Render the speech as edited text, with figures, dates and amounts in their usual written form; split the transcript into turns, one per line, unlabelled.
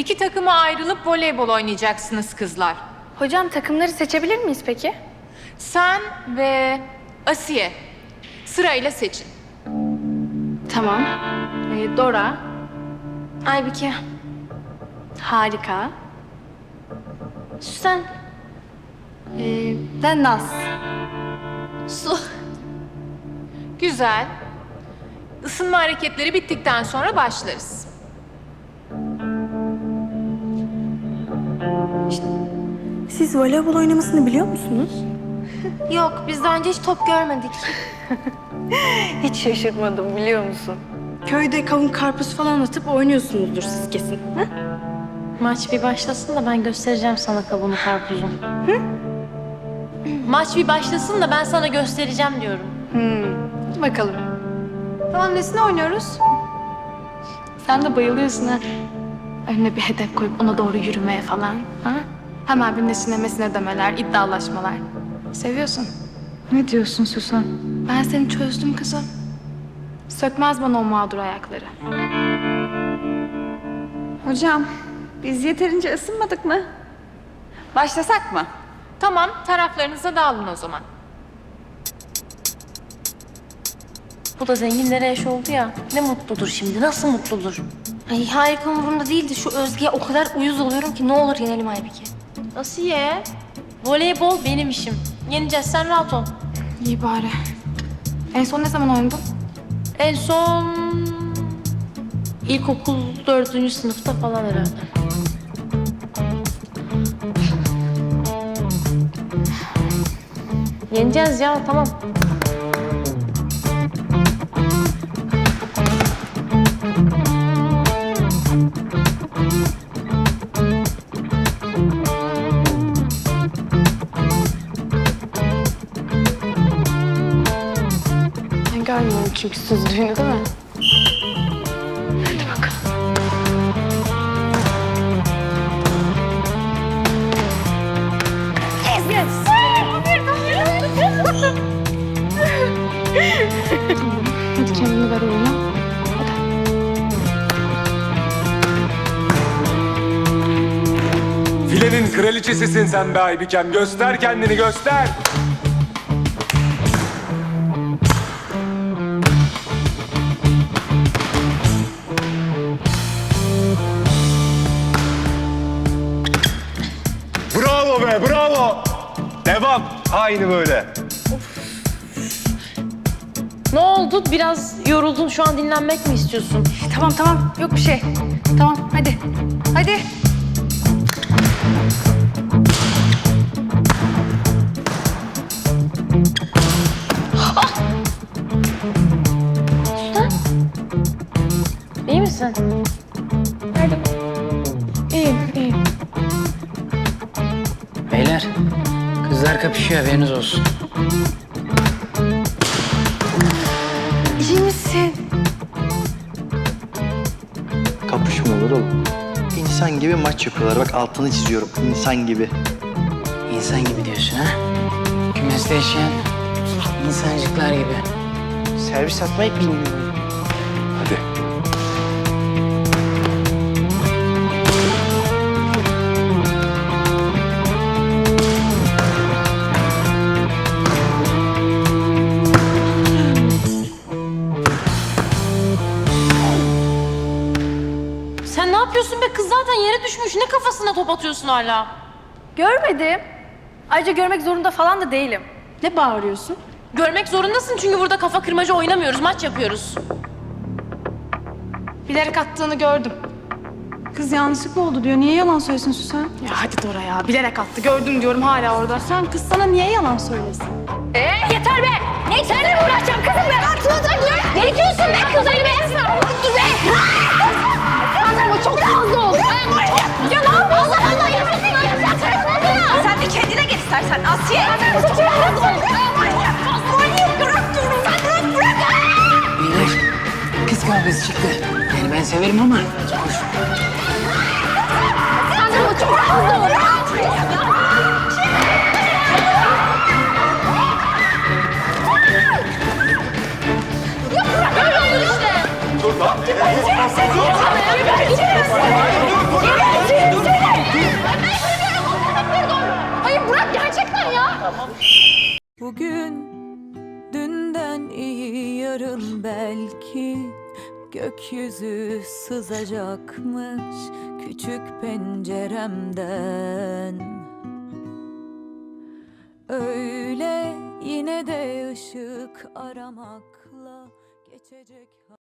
İki takıma ayrılıp voleybol oynayacaksınız kızlar.
Hocam takımları seçebilir miyiz peki?
Sen ve Asiye sırayla seçin.
Tamam. Dora. Aybike. Harika. Süsen. Ben Naz. Su.
Güzel. Isınma hareketleri bittikten sonra başlarız.
Siz voleybol oynamasını biliyor musunuz?
Yok, biz daha önce hiç top görmedik.
Hiç şaşırmadım biliyor musun? Köyde kavun karpuz falan atıp oynuyorsunuzdur siz kesin. Ha?
Maç bir başlasın da ben göstereceğim sana kavunu karpuzu. Maç bir başlasın da ben sana göstereceğim diyorum.
Hadi bakalım. Tamam, nesine oynuyoruz? Sen de bayılıyorsun ha. Önüne bir hedef koyup ona doğru yürümeye falan. Ha? Hemen bir nesine demeler, iddialaşmalar. Seviyorsun.
Ne diyorsun Süsen?
Ben seni çözdüm kızım. Sökmez bana o mağdur ayakları.
Hocam, biz yeterince ısınmadık mı? Başlasak mı?
Tamam, taraflarınıza dağılın o zaman.
Bu da zenginlere eş oldu ya. Ne mutludur şimdi, nasıl mutludur?
Ay harika umurumda değildi. Şu Özge'ye o kadar uyuz oluyorum ki ne olur yenelim Aybike.
Asiye, voleybol benim işim. Yeneceğiz, sen rahat ol.
İyi bari. En son ne zaman oynadın?
En son ilkokul 4. sınıfta falan herhalde. Yeneceğiz ya, tamam.
Ben görmüyorum çünkü süzdüğünü değil mi? Hadi bakalım. Hadi kendini ver oyuna.
Filenin kraliçesisin sen be Aybikem. Göster kendini, göster. Bravo be, bravo. Devam. Aynı böyle.
Ne oldu? Biraz yoruldun. Şu an dinlenmek mi istiyorsun?
Tamam. Yok bir şey. Tamam, hadi. Hadi.
İyi misin?
İyiyim.
Beyler, kızlar kapışıyor haberiniz olsun.
İyi misin?
Kapışma olur oğlum. İnsan gibi maç yapıyorlar. Bak altını çiziyorum. İnsan gibi.
İnsan gibi diyorsun ha? Kümeste yaşayan insancıklar gibi. Servis atmayı bilmiyorum.
Hadi.
Sen ne yapıyorsun be? Kız zaten yere düşmüş. Ne kafasına top atıyorsun hala?
Görmedim. Ayrıca görmek zorunda falan da değilim.
Ne bağırıyorsun?
Görmek zorundasın çünkü burada kafa kırmaca oynamıyoruz. Maç yapıyoruz.
Bilerek attığını gördüm.
Kız yanlışlıkla oldu diyor. Niye yalan söylesin Süsen?
Ya hadi Dora ya. Bilerek attı. Gördüm diyorum hala orada.
Sen kız sana niye yalan söylesin?
Yeter be! Ne seninle mi uğraşacağım kızım ben? Aklına diyor. Ne diyorsun be kızları be? Dur be! Ama çok fazla oldu. Ya ne yapıyorsun? Allah Allah yapıyorsun.
Sen de kendine git istersen Asiye.
Çok fazla oldu. Manyak bırak diyorum. Sen bırak.
Beyler, kız kavgası çıktı. Yani ben severim ama hoş.
Sandra çok fazla oldu.
Dur lan.
Dur.
Bugün dünden iyi, yarın belki gökyüzü sızacakmış küçük penceremden. Öyle yine de ışık aramakla geçecek